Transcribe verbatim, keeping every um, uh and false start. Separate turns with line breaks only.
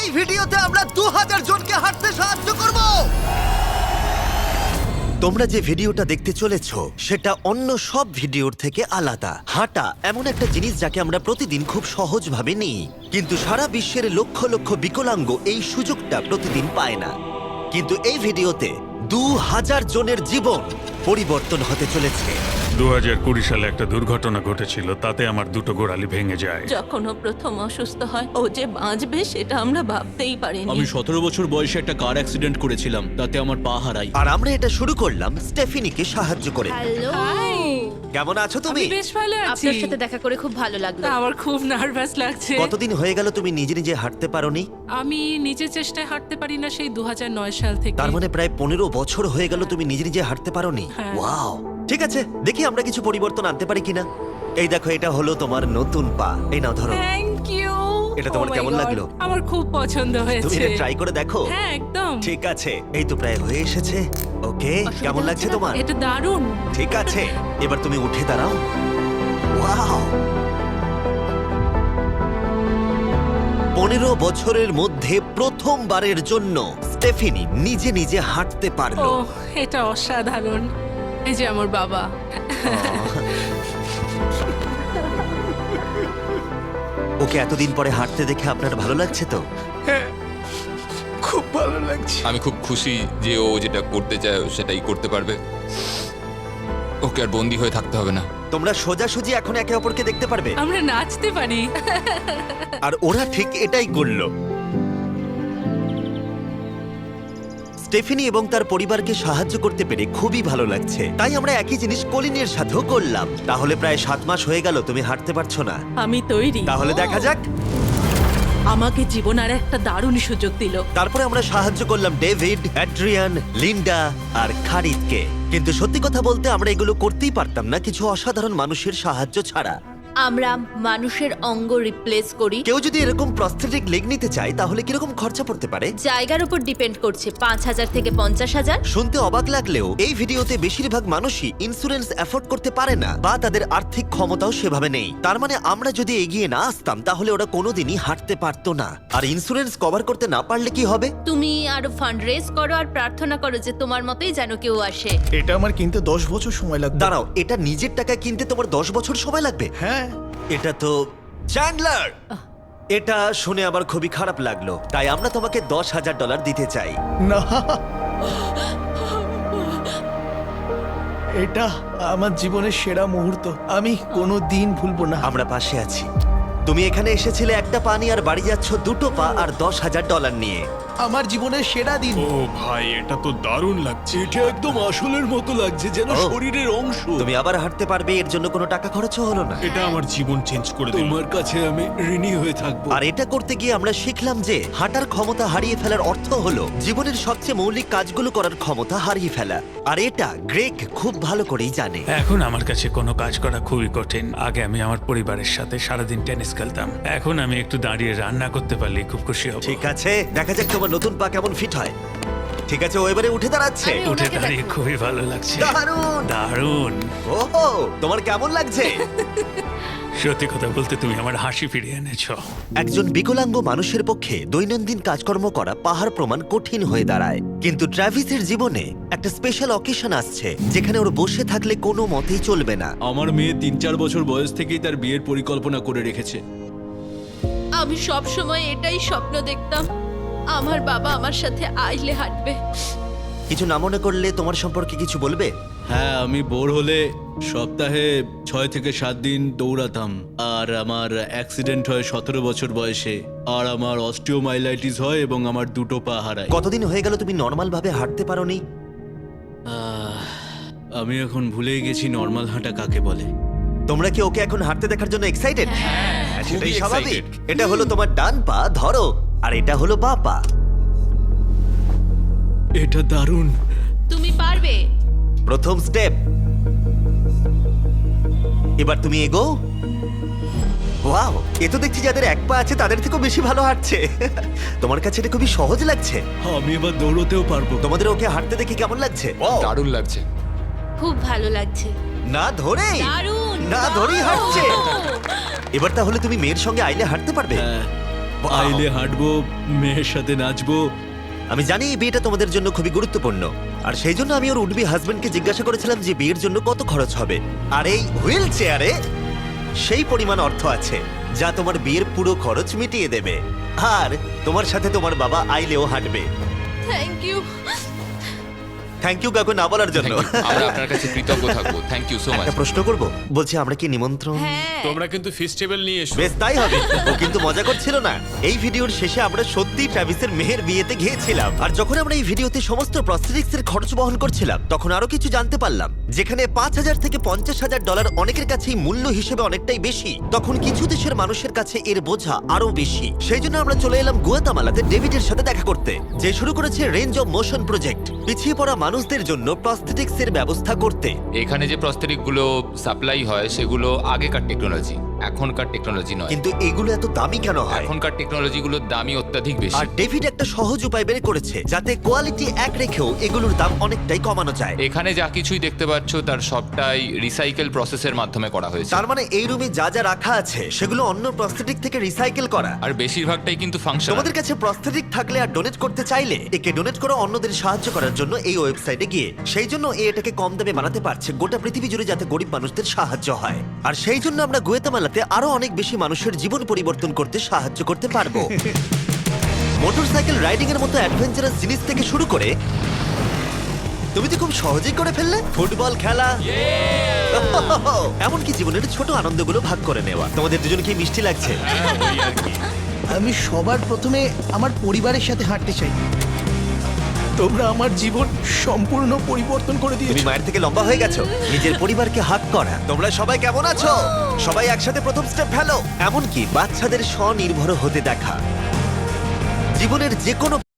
এই ভিডিওতে আমরা দু হাজার জনকে হাঁটতে সাহায্য করব। তোমরা যে ভিডিওটা দেখতে চলেছো সেটা অন্য সব ভিডিওর থেকে আলাদা। হাঁটা এমন একটা জিনিস যাকে আমরা প্রতিদিন খুব সহজভাবে নিই, কিন্তু সারা বিশ্বের লক্ষ লক্ষ বিকলাঙ্গ এই সুযোগটা প্রতিদিন পায় না। কিন্তু এই ভিডিওতে দু হাজার জনের জীবন পরিবর্তন হতে চলেছে।
দু হাজার কুড়ি সালে একটা দুর্ঘটনা ঘটেছিল, তাতে আমার দুটো গোড়ালি ভেঙে যায়।
যখন ও প্রথম অসুস্থ হয়, ও যে বাঁচবে সেটা আমরা ভাবতেই পারিনি।
আমি সতেরো বছর বয়সে একটা কার অ্যাক্সিডেন্ট করেছিলাম, তাতে আমার পা হারাই।
আর আমরা এটা শুরু করলাম স্টেফিনিকে সাহায্য করে।
হ্যালো,
কেমন আছো তুমি?
বেশ ভালো আছি।
আপনার সাথে দেখা করে খুব ভালো লাগলো।
আমার খুব নার্ভাস লাগছে।
কতদিন হয়ে গেল তুমি নিজে নিজে হাঁটতে পারোনি?
আমি নিজের চেষ্টায় হাঁটতে পারি না সেই দু হাজার নয় সাল থেকে।
তার মানে প্রায় পনেরো বছর হয়ে গেল তুমি নিজে নিজে হাঁটতে পারোনি।
হ্যাঁ।
ওয়াও, ঠিক আছে, দেখি আমরা কিছু পরিবর্তন আনতে পারি কিনা। এই দেখো, এটা হলো তোমার নতুন পা। এই নাও ধরো।
Thank you.
এটা তোমার কেমন লাগলো?
আমার খুব পছন্দ
তুমি
হয়েছে।
এটা ট্রাই করে দেখো।
হ্যাঁ, একদম।
ঠিক আছে, এই তো প্রায় হয়ে এসেছে। ওকে, কেমন লাগছে তোমার?
এটা দারুণ।
ঠিক আছে, এবার তুমি উঠে দাঁড়াও। ওয়াও, পনেরো বছরের মধ্যে প্রথমবারের জন্য স্টেফিনি নিজে নিজে হাঁটতে
ও,
পারলো।
এটা অসাধারণ। এই যে আমার বাবা।
ওকে এতদিন পরে হাঁটতে দেখে আপনার ভালো লাগছে তো?
খুব ভালো লাগছে। আমি খুব খুশি যে ও যেটা করতে চায় ও সেটাই করতে পারবে। ওকে আর বন্দি হয়ে থাকতে হবে না।
তোমরা সোজাসুজি এখন একে অপরকে দেখতে পারবে।
আমরা নাচতে পারি।
আর ওরা ঠিক এটাই করলো। স্টেফিনি এবং তার পরিবারকে সাহায্য করতে পেরে খুবই ভালো লাগছে। তাই আমরা একই জিনিস কলিনের সাথেও করলাম। তাহলে প্রায় সাত মাস হয়ে গেল তুমি হাঁটতে পারছো না।
আমি তৈরি।
তাহলে দেখা যাক।
আমাকে জীবন আর একটা দারুণ সুযোগ দিল।
তারপরে আমরা সাহায্য করলাম ডেভিড, অ্যাড্রিয়ান, লিন্ডা আর খারিদকে। কিন্তু সত্যি কথা বলতে আমরা এগুলো করতেই পারতাম না কিছু অসাধারণ মানুষের সাহায্য ছাড়া।
আমরা মানুষের অঙ্গ রিপ্লেস করি।
কেউ যদি এরকম প্রস্থেটিক লেগ নিতে চায় তাহলে কিরকম খরচা পড়তে পারে?
জায়গার উপর ডিপেন্ড করছে, পাঁচ হাজার থেকে পঞ্চাশ হাজার।
শুনতে অবাক লাগলেও এই ভিডিওতে বেশিরভাগ মানুষই ইন্স্যুরেন্স অ্যাফোর্ড করতে পারে না বা তাদের আর্থিক ক্ষমতাও সেভাবে নেই। তার মানে আমরা যদি এগিয়ে না আসতাম তাহলে ওরা কোনোদিনই হাঁটতে পারতো না। আর ইন্স্যুরেন্স কভার করতে না পারলে কি হবে?
তুমি আরো ফান্ড রেজ করো আর প্রার্থনা করো যে তোমার মতোই যেন কেউ আসে।
এটা আমার কিনতে দশ বছর সময় লাগবে।
দাঁড়াও, এটা নিজের টাকায় কিনতে তোমার দশ বছর সময় লাগবে?
হ্যাঁ,
এটা তো চ্যান্ডলার। এটা শুনে আবার খুবই খারাপ লাগলো, তাই আমরা তোমাকে দশ হাজার ডলার দিতে চাই।
না, এটা আমার জীবনের সেরা মুহূর্ত। আমি কোনো দিন ভুলবো না।
আমরা পাশে আছি। তুমি এখানে এসেছিলে একটা পা নিয়ে আর বাড়ি যাচ্ছ দুটো পা আর দশ হাজার ডলার নিয়ে।
আমার জীবনের সেরা দিন।
ও ভাই, এটা তো দারুণ লাগছে।
এটা একদম আসলের মতো লাগছে, যেন
ও।
শরীরের অংশ।
তুমি আবার হাঁটতে পারবে, এর জন্য কোনো টাকা খরচও হলো না।
এটা আমার জীবন চেঞ্জ করে দিল।
তোমার কাছে আমি ঋণী হয়ে থাকবো।
আর এটা করতে গিয়ে আমরা শিখলাম যে হাঁটার ক্ষমতা হারিয়ে ফেলার অর্থ হলো জীবনের সবচেয়ে মৌলিক কাজগুলো করার ক্ষমতা হারিয়ে ফেলা। আর এটা গ্রেগ খুব ভালো করেই জানে।
এখন আমার কাছে কোনো কাজ করা খুবই কঠিন। আগে আমি আমার পরিবারের সাথে সারাদিন টেনিস খেলতাম, এখন আমি একটু দাঁড়িয়ে রান্না করতে পারলে খুব খুশি হব।
ঠিক আছে, দেখা যাক তোমার নতুন পা কেমন ফিট হয়। ঠিক আছে, ও এবারে উঠে দাঁড়াচ্ছে।
আমি
উঠে
ওনাকে
দাঁড়িয়ে
দেখো।
খুবই ভালো লাগছে।
দারুণ।
দারুণ।
ওহো, তোমার কেমন লাগছে?
সত্যি কথা বলতে তুমি আমার হাসি ফিরিয়ে এনেছো।
একজন বিকলাঙ্গ মানুষের পক্ষে দৈনন্দিন কাজকর্ম করা পাহাড় প্রমাণ কঠিন হয়ে দাঁড়ায়। কিন্তু ট্রাভিসের জীবনে একটা স্পেশাল অকেশন আসছে যেখানে ওর বসে থাকলে কোনো মতেই চলবে না।
আমার মেয়ে তিন চার বছর বয়স থেকেই তার বিয়ের পরিকল্পনা করে রেখেছে।
আমি সব সময় এটাই স্বপ্ন দেখতাম, আমার বাবা আমার সাথে আইলে হাঁটবে।
কিছু না মনে করলে তোমার সম্পর্কে কিছু বলবে?
হ্যাঁ, আমি বোর হলে সপ্তাহে ছয় থেকে সাত দিন দৌড়াতাম। আর আমার অ্যাক্সিডেন্ট হয় সতেরো বছর বয়সে। আর আমার অস্টিওমাইলাইটিস হয় এবং আমার দুটো পা হারায়।
কতদিন হয়ে গেল তুমি নর্মাল ভাবে হাঁটতে পারোনি?
আহ, আমি এখন ভুলেই গেছি নর্মাল হাঁটা কাকে বলে।
তোমরা কি ওকে এখন হাঁটতে দেখার জন্য এক্সাইটেড? সেটাই
খুবই
স্বাভাবিক।
excited।
এটা হলো তোমার ডান পা, ধরো, আর এটা হলো বাঁ পা।
এটা দারুণ।
তুমি পারবে।
প্রথম স্টেপ। এবার তুমি এগো। ওয়াও, এ তো দেখছি যাদের এক পা আছে তাদের থেকেও বেশি ভালো হাঁটছে। তোমার কাছে এটা খুবই সহজ লাগছে।
আমি এবার দৌড়তেও পারবো।
তোমাদের ওকে হাঁটতে দেখে কেমন লাগছে?
দারুণ লাগছে।
খুব ভালো লাগছে।
না ধরে
দারুণ।
না ধরেই হাঁটছে।
দারুণ।
এবার তাহলে তুমি মেয়ের সঙ্গে আইলে হাঁটতে পারবে?
হ্যাঁ,
Wow!
আইলে হাঁটবো, মেয়ের সাথে নাচবো।
আমি জানি এই বিয়েটা তোমাদের জন্য খুবই গুরুত্বপূর্ণ, আর সেই জন্য আমি ওর উডবি হাজবেন্ডকে জিজ্ঞাসা করেছিলাম যে বিয়ের জন্য কত খরচ হবে। আর এই হুইল চেয়ারে সেই পরিমাণ অর্থ আছে যা তোমার বিয়ের পুরো খরচ মিটিয়ে দেবে। আর তোমার সাথে তোমার বাবা আইলেও হাঁটবে।
Thank you.
থ্যাংক ইউ কাকু না বলার জন্য।
Thank you. আমরা আপনার কাছে কৃতজ্ঞ থাকবো। Thank you so much.
একটা প্রশ্ন করব, বলছি আমরা কি নিমন্ত্রণ?
হ্যাঁ
তোমরা কিন্তু ফেস্টিভ্যাল নিয়ে এসো।
বেশ তাই হবে। ও কিন্তু মজা করছিল না। এই ভিডিওর শেষে আমরা সত্যি ট্রাভিসের মেহের বিয়েতে গিয়েছিলাম, আর যখন আমরা এই ভিডিওতে সমস্ত প্রস্থেটিক্স এর খরচ বহন করছিলাম তখন আরো কিছু জানতে পারলাম। যেখানে পাঁচ হাজার থেকে পঞ্চাশ হাজার ডলার অনেকের কাছেই মূল্য হিসেবে অনেকটাই বেশি, তখন কিছু দেশের মানুষের কাছে এর বোঝা আরো বেশি। সেই জন্য আমরা চলে এলাম গুয়াতামালাতে ডেভিডের সাথে দেখা করতে, যে শুরু করেছে রেঞ্জ অফ মোশন প্রজেক্ট, পিছিয়ে পড়া মানুষদের জন্য প্রস্থেটিক্স এর ব্যবস্থা করতে।
এখানে যে প্রস্তরিক গুলো সাপ্লাই হয় সেগুলো আগেকার টেকনোলজি, এখনকার টেকনোলজি নয়।
কিন্তু এগুলো এত দামি কেন হয়?
এখনকার টেকনোলজি গুলোর দামই অত্যাধিক বেশি।
আর ডেভিড একটা সহজ উপায় বের করেছে যাতে কোয়ালিটি এক রেখেও এগুলোর দাম অনেকটাই কমানো যায়।
এখানে যা কিছুই দেখতে পাচ্ছ তার সবটাই রিসাইকেল প্রসেসের মাধ্যমে করা হয়েছে।
তার মানে এই রুমে যা যা রাখা আছে সেগুলো অন্য প্রস্থেটিক থেকে রিসাইকেল করা।
আর বেশিরভাগটাই কিন্তু ফাংশনাল।
তোমাদের কাছে প্রস্থেটিক থাকলে আর ডোনেট করতে চাইলে একে ডোনেট করো অন্যদের সাহায্য করার জন্য এই ওয়েবসাইটে গিয়ে। সেই জন্য এ এটাকে কম দামে বানাতে পারছে গোটা পৃথিবী জুড়ে, যাতে গরিব মানুষদের সাহায্য হয়। আর সেই জন্য আমরা গুয়েতামালাতে আরো অনেক বেশি মানুষের জীবন পরিবর্তন করতে সাহায্য করতে পারবো। মোটরসাইকেল রাইডিং এর মতো অ্যাডভেঞ্চারাস জিনিস থেকে শুরু করে তুমি তো খুব সহজেই করে ফেললে ফুটবল খেলা, এমনকি জীবনের ছোট আনন্দগুলো ভাগ করে নেওয়া। তোমাদের দুজনকে মিষ্টি লাগছে?
আমি সবার প্রথমে আমার পরিবারের সাথে হাঁটতে চাই। তোমরা আমার জীবন সম্পূর্ণ পরিবর্তন করে
তুমি
দিয়েছো।
মায়ের থেকে লম্বা হয়ে গেছো। নিজের পরিবারকে হাত করা। তোমরা সবাই কেমন আছো? সবাই একসাথে প্রথম স্টেপ ফেলো। এমনকি বাচ্চাদের স্বনির্ভর হতে দেখা। জীবনের যে কোনো